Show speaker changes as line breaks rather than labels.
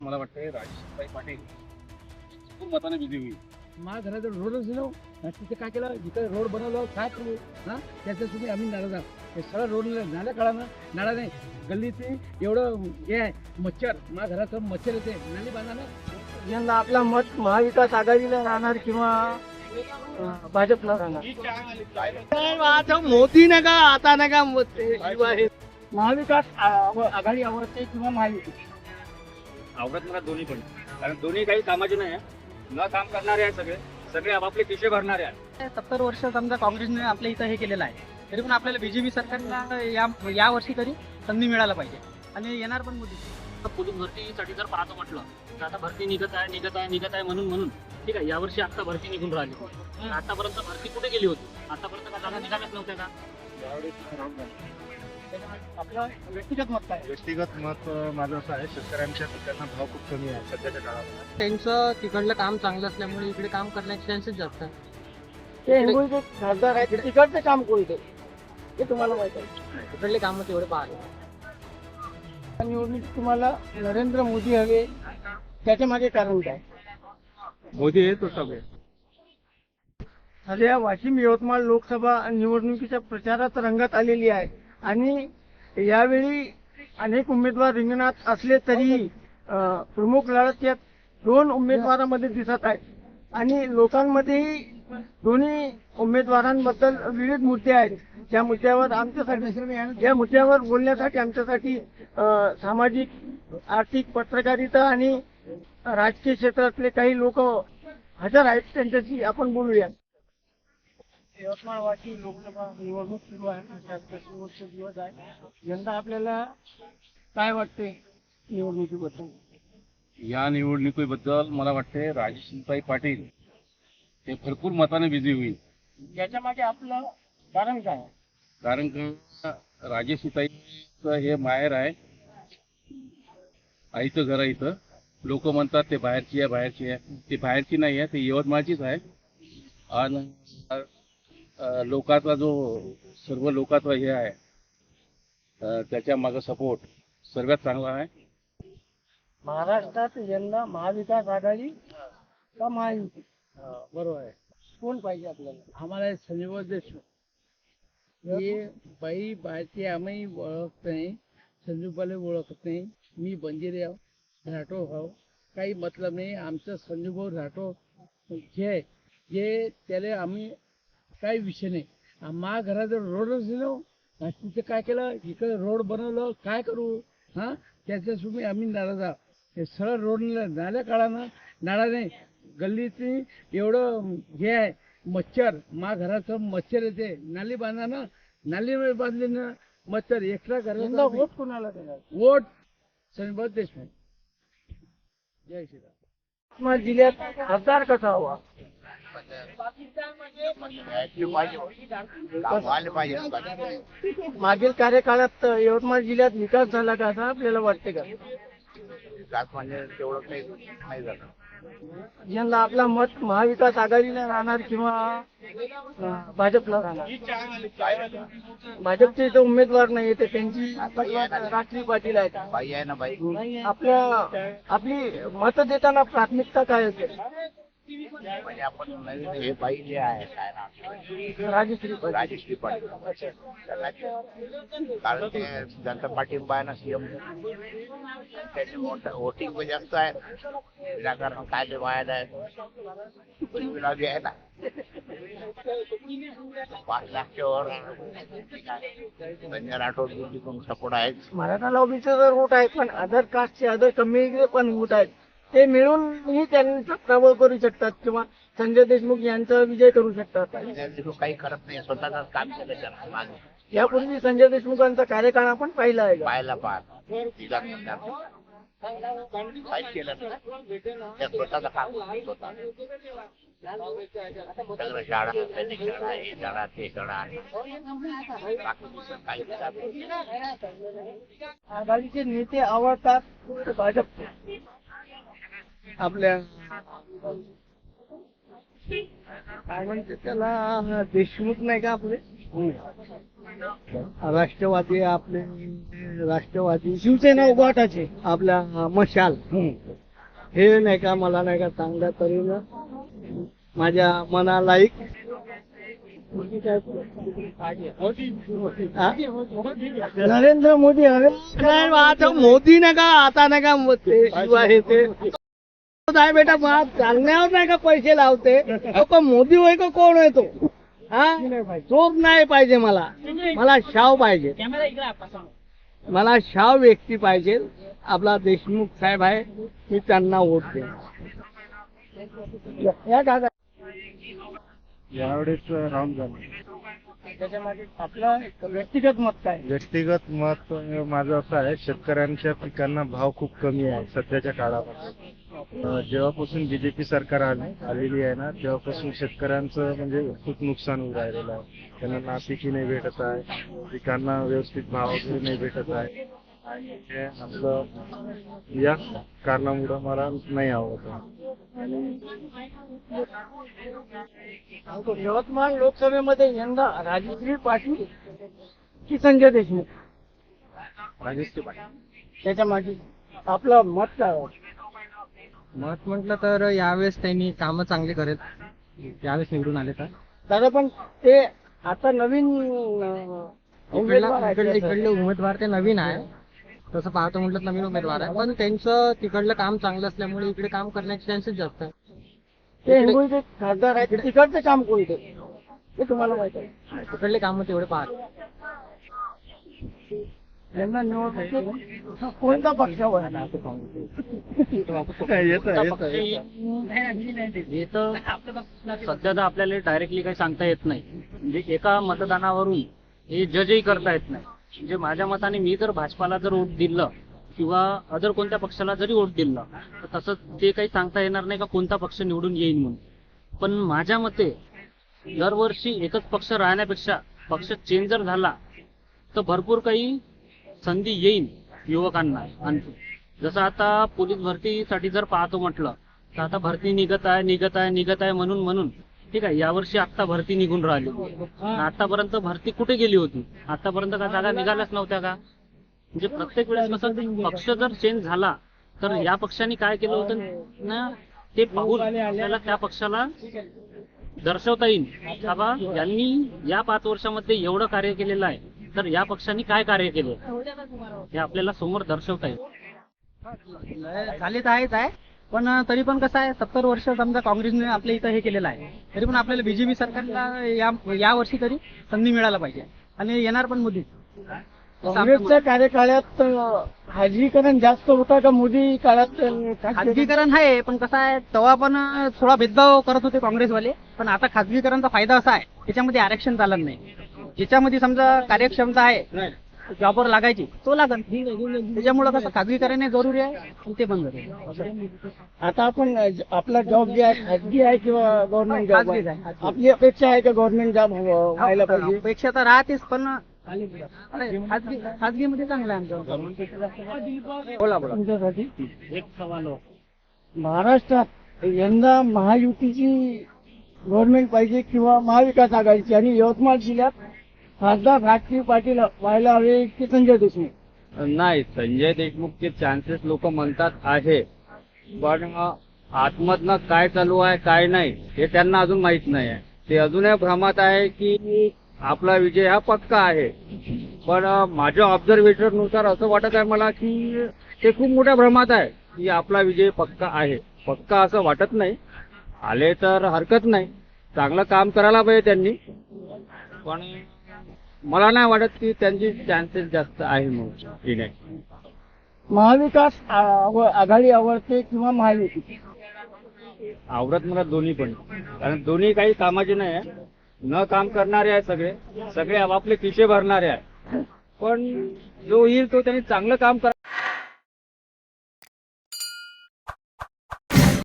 मला वाटतंय राजेशभाई पाटील खूप मताने विजयी होईल.
माझ्या घराचा रोडच दिलो तिथे काय केलं जिथे रोड बनवलं काय करू हा त्याच्यासाठी आम्ही नाराज आहोत. हे सगळं रोड नाल्या काढा नाळा नाही गल्लीचे एवढं हे आहे मच्छर माझ्या घराचं मच्छर येते नाली बांधा ना.
यंदा आपला मत महाविकास आघाडीला राहणार किंवा भाजपला राहणार. मोदी नका आता नका महाविकास आघाडी आवडते किंवा महाविकास
आवडत मला दोन्ही पण, कारण दोन्ही काही कामाचे नाही आहे, न काम करणारे आहे. सगळे सगळे आपापले खिशे भरणारे आहेत.
70 वर्ष समजा काँग्रेसने आपल्या इथं हे केलेलं आहे, तरी पण आपल्याला बीजेपी सरकारला या वर्षी तरी संधी मिळायला पाहिजे आणि येणार पण मोदी.
पोलीस भरतीसाठी जर पाहतो म्हटलं तर आता भरती निघत आहे म्हणून ठीक आहे. यावर्षी आता भरती निघून राहिली. आतापर्यंत भरती कुठे गेली होती? आतापर्यंत का जागा निघाल्याच नव्हत्या का?
आपलं व्यक्तिगत मत काय?
व्यक्तिगत मत माझं असं आहे, शेतकऱ्यांच्या पिकांना भाव खूप कमी आहे सध्याच्या काळात.
त्यांचं तिकडलं काम चांगलं असल्यामुळे इकडे काम करण्याचे चान्सेस जास्त आहे. ते हिंगोलीचे खासदार आहेत, तिकडचं काम कोणते ते तुम्हाला माहिती आहे? तिकडले काम तेवढे पाहिले. निवडणूक तुम्हाला नरेंद्र मोदी हवे, त्याच्या मागे कारण काय?
मोदी आहे तो सगळे.
सध्या वाशिम यवतमाळ लोकसभा निवडणुकीच्या प्रचारात रंगत आलेली आहे आणि यावेळी अनेक उमेदवार रिंगणात असले तरी प्रमुख लढत या 2 उमेदवारांमध्ये दिसत आहे आणि लोकांमध्येही दोन्ही उमेदवारांबद्दल विविध मुद्दे आहेत. त्या मुद्द्यावर बोलण्यासाठी आमच्यासाठी सामाजिक आर्थिक पत्रकारिता आणि राजकीय क्षेत्रातले काही लोक हजर आहेत, त्यांच्याशी आपण बोलूया. यवतमाळ वाशिम लोकसभा निवडणूक सुरू आहे, शेवटचे दिवस आहे. यंदा आपल्याला काय वाटते निवडणुकीबद्दल?
या निवडणुकीबद्दल मला वाटते राजेशभाई पाटील हे भरपूर मताने विजयी होईल.
याच्या मागे आपलं कारण काय आहे?
कारण का राजेशताईचं हे माहेर आहे, आईचं घर आहे. इथं लोक म्हणतात ते बाहेरची आहे. ती बाहेरची नाही आहे, ती यवतमाळचीच आहे. आणि लोकांचा जो सर्व लोकांचा हे आहे, त्याच्या मागं सपोर्ट सर्वात चांगला आहे.
महाराष्ट्रात यंदा महाविकास आघाडी का महायुती?
बरोबर आहे.
कोण पाहिजे आपल्याला?
आम्हाला संजय देशमुख हे बाई बायचे आम्ही ओळखत नाही, संजूबाला ओळखत नाही. मी बंजिरे आहो, राठोड भाऊ, काही मतलब नाही. आमचं संजूभाऊ राठोड जे आहे जे त्याला आम्ही काही विषय नाही. माझ्या घराचं रोडच दिलो तिथे काय केलं इकडे रोड बनवलं काय करू हा त्याच्यासाठी आम्ही नाराज आहोत. हे सरळ रोड नाल्या काढा नाळा नाही गल्लीचे एवढं हे आहे मच्छर माझ्या घराचं मच्छर येते नाली बांधा ना. नाली बांधली ना मच्छर एक्स्ट्रा
यंदा
घरात.
वोट कोणाला देणार?
वोट संजय देशमुख. जय श्रीराम.
यवतमाळ जिल्ह्यात खासदार कसा हवा? मागील कार्यकाळात यवतमाळ जिल्ह्यात विकास झाला का असं आपल्याला वाटते का?
तेवढं काही नाही झालं.
यंदा आपला मत महाविकास आघाडीला राहणार किंवा भाजपला राहणार? भाजपचे इथं उमेदवार नाही ते त्यांची राखली पाटील आहेत.
बाई आहे ना बाई,
आपली मत देताना प्राथमिकता काय असेल?
म्हणजे आपण नवीन हे बाई जे आहे काय नाव
राजश्री
राजेश्री पाटील, कारण ते जनता पाठिंबा आहे ना सीएम, त्याचे वोटिंग पण जास्त आहे. विनाकारण काय ते व्हायला आहे गुलाबी आहे ना 5 लाखच्या वर संजय राठोड सपोर्ट आहे.
मराठा लॉबीचे तर वोट आहेत पण अदर कास्टचे अदर कम्युनिटीचे पण वोट आहेत. ते मिळूनही त्यांचा प्रभाव करू शकतात किंवा संजय देशमुख यांचा विजय करू शकतात.
काही करत नाही, स्वतःच काम केलं त्याला.
यापूर्वी संजय देशमुखांचा कार्यकाळ आपण पाहिला आहे का?
पाहायला काय केलं त्या स्वतःचं काम स्वतः सगळं शाळा सैनिक शाळा हे शाळा ते शाळा काही
आघाडीचे नेते आवडतात भाजप. आपल्या काय म्हणते त्याला, देशमुख नाही का आपले, राष्ट्रवादी आपले, राष्ट्रवादी शिवसेना उभाटाचे आपल्या मशाल, हे नाही का, मला नाही का चांगल्या तऱ्हेनं माझ्या मनालायक नरेंद्र मोदी. अरे आता मोदी नाही का, आता नाही का ते शिवाय हे ते आहे बेटा, मला चालण्यावर नाही का पैसे लावते. अहो, पण मोदी होय का कोण आहे तो? हा, चोर नाही पाहिजे मला, मला शाव पाहिजे, मला शाव व्यक्ती पाहिजे. आपला देशमुख साहेब आहे, मी त्यांना वोट दे. या काका
यावेळेस राऊंड झालं.
त्याच्यामध्ये आपलं व्यक्तिगत मत काय?
व्यक्तिगत मत माझं असं आहे, शेतकऱ्यांच्या पिकांना भाव खूप कमी आहे सध्याच्या काळामध्ये. जेव्हापासून बीजेपी सरकार आलेली आहे ना, तेव्हापासून शेतकऱ्यांचं म्हणजे खूप नुकसान होऊ राहिलेलं आहे. त्यांना नापिकी नाही भेटत आहे, पिकांना व्यवस्थित भाव वगैरे नाही भेटत आहे. आणि हे आपलं या कारणामुळे मला नाही आवडत.
यवतमाळ लोकसभेमध्ये यंदा राजश्री पाटील की संजय देशमुख,
राजश्री पाटील.
त्याच्या मागे आपलं मत काय आहे?
मत म्हटलं तर यावेळेस त्यांनी कामं चांगली करेल, यावेळेस निवडून आले तर.
दादा पण ते आता नवीन उमेदवार आहेत
इकडले
त्याचं.
उमेदवार ते नवीन आहे, तसं पाहतो म्हटलं नवीन उमेदवार आहे, पण त्यांचं तिकडलं काम चांगलं असल्यामुळे इकडे काम करण्याचे चान्सेस जास्त आहे.
ते हिंगोलीचे खासदार आहेत, तिकडचं काम कोणते ते तुम्हाला माहित आहे?
तिकडले काम तेवढे पाहत.
यांना निवडणुकीत कोणता पक्षावर आहे?
हे तर सध्या तर आपल्याला डायरेक्टली काही सांगता येत नाही. म्हणजे एका मतदानावरून हे जजही करता येत नाही. म्हणजे माझ्या मताने मी जर भाजपाला जर वोट दिलं किंवा अदर कोणत्या पक्षाला जरी वोट दिलं तर तसं ते काही सांगता येणार नाही का कोणता पक्ष निवडून येईल म्हणून. पण माझ्या मते दरवर्षी एकच पक्ष राहण्यापेक्षा पक्ष चेंज जर झाला तर भरपूर काही संधी येईल युवकांना. आणखी जसं आता पोलीस भरतीसाठी जर पाहतो म्हटलं तर आता भरती निघत आहे म्हणून ठीक आहे, यावर्षी आता भरती निघून राहिली. आतापर्यंत भरती कुठे गेली होती? आतापर्यंत का जागा निघाल्याच नव्हत्या का? म्हणजे प्रत्येक वेळेस कसं पक्ष जर चेंज झाला तर या पक्षाने काय केलं होतं ना, ते पाहून आपल्याला त्या पक्षाला दर्शवता येईल का बा यांनी या 5 वर्षामध्ये एवढं कार्य केलेलं आहे, तर या पक्षाने काय कार्य केलं हे आपल्याला समोर दर्शवता येईल.
झाले तर आहेच आहे, पण तरी पण कसं आहे, 70 वर्ष समजा काँग्रेसने आपल्या इथं हे केलेलं आहे, तरी पण आपल्याला बीजेपी सरकारला या वर्षी तरी संधी मिळायला पाहिजे. आणि येणार पण मोदी.
काँग्रेसच्या कार्यकाळात खाजगीकरण जास्त होता का मोदी काळात?
खाजगीकरण आहे, पण कसं आहे, तेव्हा पण थोडा भेदभाव करत होते काँग्रेसवाले. पण आता खाजगीकरणचा फायदा असा आहे, त्याच्यामध्ये आरक्षण चालत नाही. ज्याच्यामध्ये समजा कार्यक्षमता आहे जॉबवर लागायची तो लागत. त्याच्यामुळे कसं खाजगीकरण जरुरी आहे आणि ते बंद झाले.
आता आपण आपला जॉब जे आहे खाजगी आहे किंवा गव्हर्नमेंट जॉब
खाजगीच
आहे?
आहे.
आपली अपेक्षा आहे का गव्हर्नमेंट जॉब व्हायला पाहिजे?
अपेक्षा तर राहतेच, पण खाजगीमध्ये चांगलं आहे आमचं.
बोला तुमच्यासाठी
एक सवाल हो.
महाराष्ट्रात यंदा महायुतीची गव्हर्नमेंट पाहिजे किंवा महाविकास आघाडीची, आणि यवतमाळ जिल्ह्यात खासदार राजश्री पाटील व्हायला हवे की संजय देशमुख?
नाही, संजय देशमुखचे चान्सेस लोक म्हणतात आहे, पण आतमधनं काय चालू आहे काय नाही हे त्यांना अजून माहित नाही आहे. ते अजूनही भ्रमात आहे की आपला विजय हा पक्का आहे. पण माझ्या ऑब्झर्वेशन नुसार असं वाटत आहे मला की ते खूप मोठ्या भ्रमात आहे की आपला विजय पक्का आहे. पक्का असं वाटत नाही. आले तर हरकत नाही, चांगलं काम करायला पाहिजे त्यांनी, पण मला नाही वाटत की त्यांची चान्सेस जास्त आहे म्हणून येण्याची.
महाविकास आघाडी आवडते किंवा महायुती?
आवडत मला दोन्ही पण, कारण दोन्ही काही कामाचे नाही आहे. न काम करणारे आहे सगळे, सगळे आपापले खिसे भरणारे आहे. पण जो येईल तो त्यांनी चांगलं काम करा.